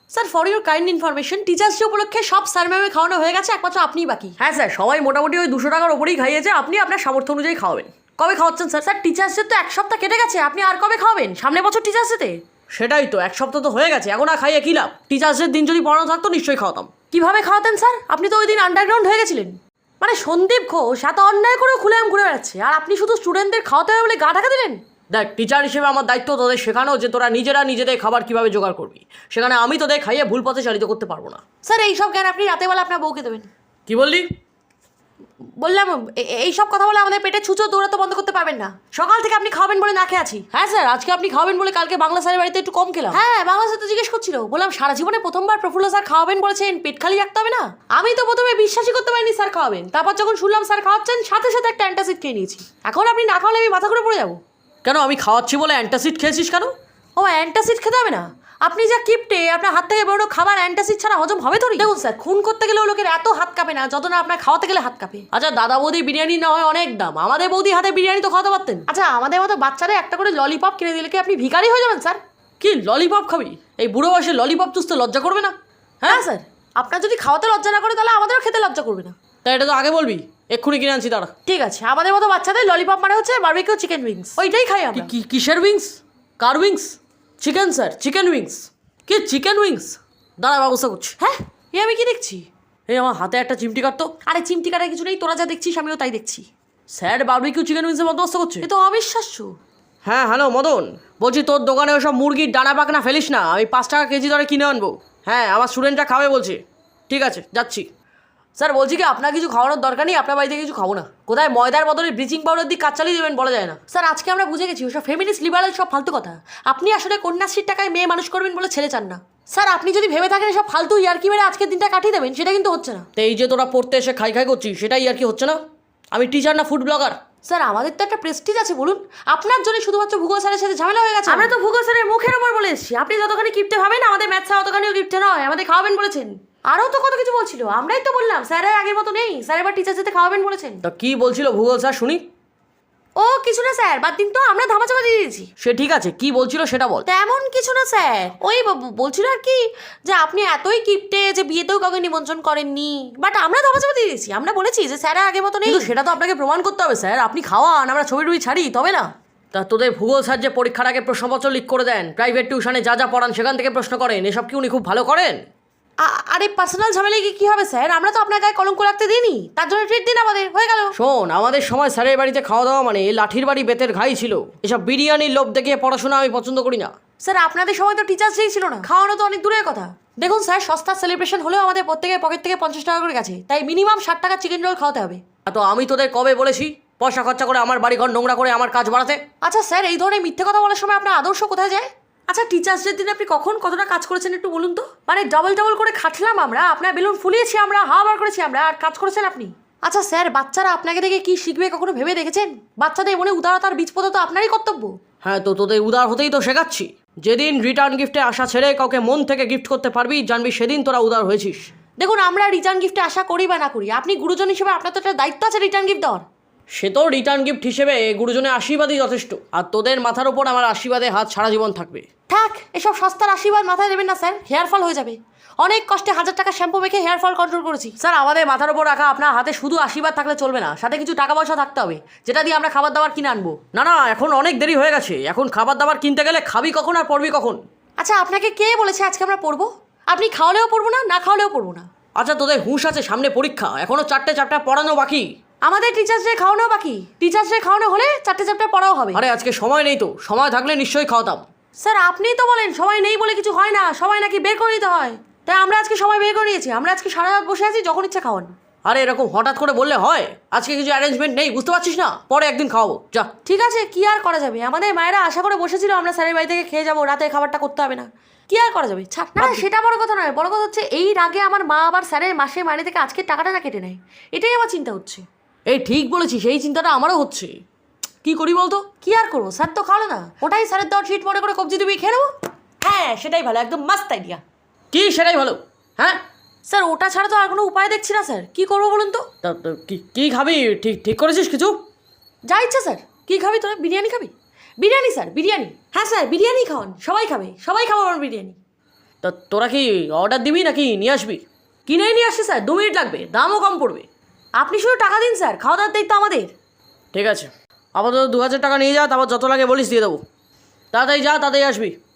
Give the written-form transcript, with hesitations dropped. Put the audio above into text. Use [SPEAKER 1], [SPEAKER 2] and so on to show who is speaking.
[SPEAKER 1] Sir for your kind information teachers day উপলক্ষে সব sir ম্যামে খাওয়ানো হয়ে গেছে, একমাত্র আপনিই বাকি।
[SPEAKER 2] হ্যাঁ স্যার, সবাই মোটামুটি ওই 200 টাকার ওপরেই খাইয়েছে, আপনি আপনার সামর্থ্য অনুযায়ী খাওয়াবেন।
[SPEAKER 1] কবে খাওয়াচ্ছেন স্যার? স্যার টিচার্স ডে তো এক সপ্তাহ কেটে গেছে, আপনি আর কবে খাওয়াবেন? সামনের বছর টিচার্স ডেতে।
[SPEAKER 2] সেটাই তো, এক সপ্তাহ তো হয়ে গেছে, এখন আর খাইয়ে কী লাভ? টিচার্স ডের দিন যদি পড়ানো থাকতো নিশ্চয়ই খাওয়াতাম।
[SPEAKER 1] কিভাবে খাওয়াতেন স্যার? আপনি তো ওই দিন আন্ডারগ্রাউন্ড হয়ে গেছিলেন। মানে সন্দীপ ঘোষ এত অন্যায় করে খুলে ঘুরে বেড়াচ্ছে, আর আপনি শুধু স্টুডেন্টদের খাওয়াতে হবে বলে গা ঢাকা দিলেন।
[SPEAKER 2] দেখ, টিচার হিসেবে আমার দায়িত্ব তোদের শেখানো যে তোরা নিজেরা নিজেদের খাবার কিভাবে জোগাড় করবি। সেখানে আমি তোদের খাইয়ে ভুল পথে চালিত করতে পারবো না।
[SPEAKER 1] স্যার এইসব জ্ঞান আপনি রাতেবেলা আপনার বউকে দেবেন।
[SPEAKER 2] কি বললি?
[SPEAKER 1] বললাম এইসব কথা বলে আমাদের পেটে ছুঁচো দৌড়াতে বন্ধ করতে পারবেন না। সকাল থেকে আপনি খাবেন বলে না খেয়ে আছি। হ্যাঁ স্যার, আজকে আপনি খাওয়াবেন বলে কালকে বাংলা স্যারের বাড়িতে একটু কম খেলাম। হ্যাঁ, বাংলা স্যার তো জিজ্ঞেস করছিল, বললাম সারা জীবনে প্রথমবার প্রফুল্ল স্যার খাওয়াবেন বলেছেন, পেট খালি রাখতে হবে না। আমি তো প্রথমে বিশ্বাসই করতে পারিনি স্যার খাওয়াবেন, তারপর যখন শুনলাম স্যার খাওয়াচ্ছেন সাথে সাথে একটা অ্যান্টাসিড খেয়ে নিয়েছি। এখন আপনি না খাওয়ালে আমি মাথা ঘুরে পড়ে যাবো।
[SPEAKER 2] কেন, আমি খাওয়াচ্ছি বলে অ্যান্টাসিড খেয়েছিস কেন?
[SPEAKER 1] ও অ্যান্টাসিড খেতে হবে না? আপনি যা কিপটে, আপনার হাত থেকে বেরোনো খাবার অ্যান্টাসিড ছাড়া হজম হবে তো? দেখুন স্যার, খুন করতে গেলেও লোকের এত হাত কাঁপে না যত না আপনার খাওয়াতে গেলে হাত কাঁপে।
[SPEAKER 2] আচ্ছা, দাদা বৌদি বিরিয়ানি না হয় অনেক দাম, আমাদের বৌদি হাতে বিরিয়ানি তো খাওয়াতে পারতেন।
[SPEAKER 1] আচ্ছা, আমাদের মতো বাচ্চাদের একটা করে ললিপপ কিনে দিলে কি আপনি ভিখারি হয়ে যাবেন স্যার?
[SPEAKER 2] কি ললিপপ খাবি? এই বুড়ো বয়সে ললিপপ চুষতে লজ্জা করবে না?
[SPEAKER 1] হ্যাঁ স্যার, আপনার যদি খাওয়াতে লজ্জা না করে তাহলে আমাদেরও খেতে লজ্জা করবে না।
[SPEAKER 2] তা এটা তো আগে বলবি, এক্ষুনি কিনে আনছি দাঁড়া।
[SPEAKER 1] ঠিক আছে, আমাদের মতো বাচ্চাদের ললিপপ মানে হচ্ছে বারবিকিউ চিকেন উইংস, ওইটাই খাই আমরা।
[SPEAKER 2] কিসের উইংস? কার wings? Chicken sir, chicken wings. কি চিকেন উইংস? দাঁড়া, ব্যবস্থা করছি।
[SPEAKER 1] হ্যাঁ, এ আমি কি দেখছি?
[SPEAKER 2] এই আমার হাতে একটা চিমটি কাটতো।
[SPEAKER 1] আরে চিমটি কাটার কিছু নেই, তোরা যা দেখছিস আমিও তাই দেখছি।
[SPEAKER 2] স্যার বারবিকিউ চিকেন উইংসের বন্দোবস্ত করছে।
[SPEAKER 1] এ তো অবিশ্বাস্য।
[SPEAKER 2] হ্যাঁ হ্যালো মদন, বলছি তোর দোকানে ওসব মুরগির ডানা পাকনা ফেলিস না, আমি 5 টাকা কেজি দরে কিনে আনবো। হ্যাঁ, আমার স্টুডেন্টরা খাবে বলছে। ঠিক আছে, যাচ্ছি। স্যার বলছি কি, আপনার কিছু খাওয়ানোর দরকার নেই, আপনার বাড়িতে কিছু খাবো না। কোথায় ময়দার বদলে ব্লিচিং পাউডার দিয়ে কাজ চালিয়ে দেবেন বলা যায় না।
[SPEAKER 1] স্যার আজকে আমরা বুঝে গেছি ওসব ফেমিনিস্ট লিবারাল সব ফালতু কথা। আপনি আসলে কন্যাশ্রীর টাকায় মেয়ে মানুষ করবেন বলে ছেলে চান না। স্যার আপনি যদি ভেবে থাকেন সব ফালতু ইয়ার্কি মেরে আজকের দিনটা কাটিয়ে দেবেন, সেটা কিন্তু হচ্ছে না।
[SPEAKER 2] তো এই যে তোরা পড়তে এসে খাই খাই করছিস, সেটাই আর কি হচ্ছে না? আমি টিচার না ফুড ব্লগার?
[SPEAKER 1] স্যার আমাদের তো একটা প্রেস্টিজ আছে বলুন। আপনার জন্য শুধুমাত্র ভূগোল স্যারের সাথে ঝামেলা হয়ে গেছে। আমরা তো ভূগোল স্যারের মুখের ওপর বলে এসেছি, আপনি যতখানি কিপটে ভাবেন আমাদের ম্যাথ স্যার অতখানিও কিপটে নয়, আমাদের খাওয়াবেন বলেছেন। আরও তো কত কিছু বলছিল, আমরাই তো বললাম স্যারের আগের মতো নেই, স্যার এবার টিচার সাথে খাওয়াবেন বলেছেন।
[SPEAKER 2] তা কি বলছিল ভূগোল স্যার শুনি?
[SPEAKER 1] ও কিছু না স্যার, বাদ দিন তো, আমরা ধামাচাপা দিয়ে দিয়েছি।
[SPEAKER 2] সে ঠিক আছে, কি বলছিল সেটা বল।
[SPEAKER 1] তেমন কিছু না স্যার, ওই বলছিল আর কি যে আপনি এতই কিপটে যে বিয়েতেও কাউকে নিমন্ত্রণ করেননি, বাট আমরা ধামাচাপা দিয়ে দিয়েছি। আমরা বলেছি যে স্যারের আগের মতো নেই।
[SPEAKER 2] কিন্তু সেটা তো আপনাকে প্রমাণ করতে হবে স্যার, আপনি খাওয়ান, আমরা ছবি টবি ছাড়ি তবে না। তা তোদের ভূগোল স্যার যে পরীক্ষার আগে প্রশ্নপত্র লিক করে দেন, প্রাইভেট টিউশনে যা যা পড়ান সেখান থেকে প্রশ্ন করেন, এসব কি উনি খুব ভালো করেন?
[SPEAKER 1] আরে পার্সোনাল ঝামেলায় কি হবে স্যার? আমরা তো আপনার গায়ে কলঙ্ক রাখতে দিইনি, তার জন্য ট্রিট দিন আমাদের, হয়ে গেল।
[SPEAKER 2] শোন, আমাদের সময় স্যারের বাড়িতে খাওয়া দাওয়া মানে লাঠির বাড়ি বেতের ঘাই ছিল। এসব বিরিয়ানির লোভ দেখিয়ে পড়াশোনা আমি পছন্দ করি না।
[SPEAKER 1] স্যার আপনাদের সময় তো টিচার্স ডেই ছিল না, খাওয়ানো তো অনেক দূরের কথা। দেখুন স্যার, সস্তার সেলিব্রেশন হলেও আমাদের প্রত্যেকের পকেট থেকে 50 টাকা করে গেছে, তাই মিনিমাম 60 টাকা চিকেন রোল খাওয়াতে হবে।
[SPEAKER 2] তো আমি তোদের কবে বলেছি পয়সা খরচা করে আমার বাড়িঘর নোংরা করে আমার কাজ বাড়াতে?
[SPEAKER 1] আচ্ছা স্যার, এই ধরনের মিথ্যে কথা বলার সময় আপনার আদর্শ কোথায় যায়? আচ্ছা টিচার্স ডের দিন আপনি কখন কতটা কাজ করেছেন একটু বলুন তো। মানে ডবল করে খাটলাম আমরা, আপনার বেলুন ফুলিয়েছি আমরা, হাওয়া বার করেছি আমরা, আর কাজ করেছেন আপনি। আচ্ছা স্যার, বাচ্চারা আপনাকে দেখে কি শিখবে কখনো ভেবে দেখেছেন? বাচ্চাদের মনে উদারতার বীজ পোতা তো আপনারই কর্তব্য।
[SPEAKER 2] হ্যাঁ, তো তোদের উদার হতেই তো শেখাচ্ছি। যেদিন রিটার্ন গিফটে আশা ছেড়ে কাউকে মন থেকে গিফট করতে পারবি, জানবি সেদিন তোরা উদার হয়েছিস।
[SPEAKER 1] দেখুন, আমরা রিটার্ন গিফটে আশা করি বা না করি, আপনি গুরুজন হিসেবে আপনার তো একটা দায়িত্ব আছে রিটার্ন গিফট দেওয়ার।
[SPEAKER 2] সে তো রিটার্ন গিফট হিসেবে গুরুজনের আশীর্বাদই যথেষ্ট, আর তোদের মাথার ওপর আমার আশীর্বাদে হাত সারা জীবন থাকবে।
[SPEAKER 1] থাক, এসব সস্তার আশীর্বাদ মাথায় দেবেন না স্যার, হেয়ার ফল হয়ে যাবে। অনেক কষ্টে 1000 টাকা শ্যাম্পু মেখে হেয়ার ফল কন্ট্রোল করেছি।
[SPEAKER 2] স্যার আমাদের মাথার ওপর রাখা আপনার হাতে শুধু আশীর্বাদ থাকলে চলবে না, সাথে কিছু টাকা পয়সা থাকতে হবে, যেটা দিয়ে আমরা খাবার দাবার কিনে আনবো। না না, এখন অনেক দেরি হয়ে গেছে, এখন খাবার দাবার কিনতে গেলে খাবি কখন আর পড়বি কখন?
[SPEAKER 1] আচ্ছা আপনাকে কে বলেছে আজকে আমরা পড়বো? আপনি খাওয়ালেও পড়বো না, না খাওয়ালেও পড়বো না।
[SPEAKER 2] আচ্ছা তোদের হুঁশ আছে, সামনে পরীক্ষা, এখনো 4টে চ্যাপ্টার পড়ানো বাকি।
[SPEAKER 1] আমাদের টিচার্স ডে খাওয়ানো বাকি, টিচার্স ডে খাওয়ানো হলে 4টে চ্যাপ্টার পড়াও হবে।
[SPEAKER 2] আরে আজকে সময় নেই তো, সময় থাকলে নিশ্চয়ই খাওয়াতাম।
[SPEAKER 1] স্যার আপনিই তো বলেন সময় নেই বলে কিছু হয় না, সময় নাকি বের করে দিতে হয়, তাই আমরা আজকে সময় বের করে নিয়েছি। আমরা আজকে সারা রাত বসে আছি, যখন ইচ্ছা খাওয়ান।
[SPEAKER 2] আরে এরকম হঠাৎ করে বললে হয়? আজকে কিছু অ্যারেঞ্জমেন্ট নেই, বুঝতে পারছিস না? পরে একদিন খাওয়াবো, যা।
[SPEAKER 1] ঠিক আছে, কি আর করা যাবে, আমাদের মায়েরা আশা করে বসেছিল আমরা স্যারের বাড়ি থেকে খেয়ে যাবো, রাতে খাবারটা করতে হবে না, কি আর করা যাবে, ছাড় না। সেটা বড় কথা নয়, বড় কথা হচ্ছে এই রাগে আমার মা আবার স্যারের মাসে মাইনে থেকে আজকের টাকাটা না কেটে নেয়, এটাই আমার চিন্তা হচ্ছে।
[SPEAKER 2] এই ঠিক বলেছিস, এই চিন্তাটা আমারও হচ্ছে, কি করি বলতো?
[SPEAKER 1] কি আর করবো, স্যার তো খাওয়ালো না, ওটাই স্যারের দেওয়ার ট্রিট মনে করে কবজি ডুবিয়ে খেয়ে নেবো। হ্যাঁ সেটাই ভালো, একদম মাস্ত আইডিয়া।
[SPEAKER 2] কি সেটাই ভালো? হ্যাঁ
[SPEAKER 1] স্যার ওটা ছাড়া তো আর কোনো উপায় দেখছি না স্যার, কি করবো বলুন তো।
[SPEAKER 2] কি খাবি ঠিক ঠিক করেছিস কিছু?
[SPEAKER 1] যা ইচ্ছা স্যার। কি খাবি তোরা? বিরিয়ানি খাবি? বিরিয়ানি স্যার, বিরিয়ানি। হ্যাঁ স্যার বিরিয়ানি খাওয়ান, সবাই খাবে, সবাই খাবো আমার বিরিয়ানি।
[SPEAKER 2] তা তোরা কি অর্ডার দিবি নাকি নিয়ে আসবি?
[SPEAKER 1] কিনেই নিয়ে আসছি স্যার, 2 মিনিট লাগবে, দামও কম পড়বে। আপনি শুধু টাকা দিন স্যার, খাওয়া দাওয়ার দায়িত্ব আমাদের।
[SPEAKER 2] ঠিক আছে, আপাতত 2,000 টাকা নিয়ে যা, তারপর যত লাগে বলিস দিয়ে দেবো। তাড়াতাড়ি যা, তাড়াতাড়ি আসবি।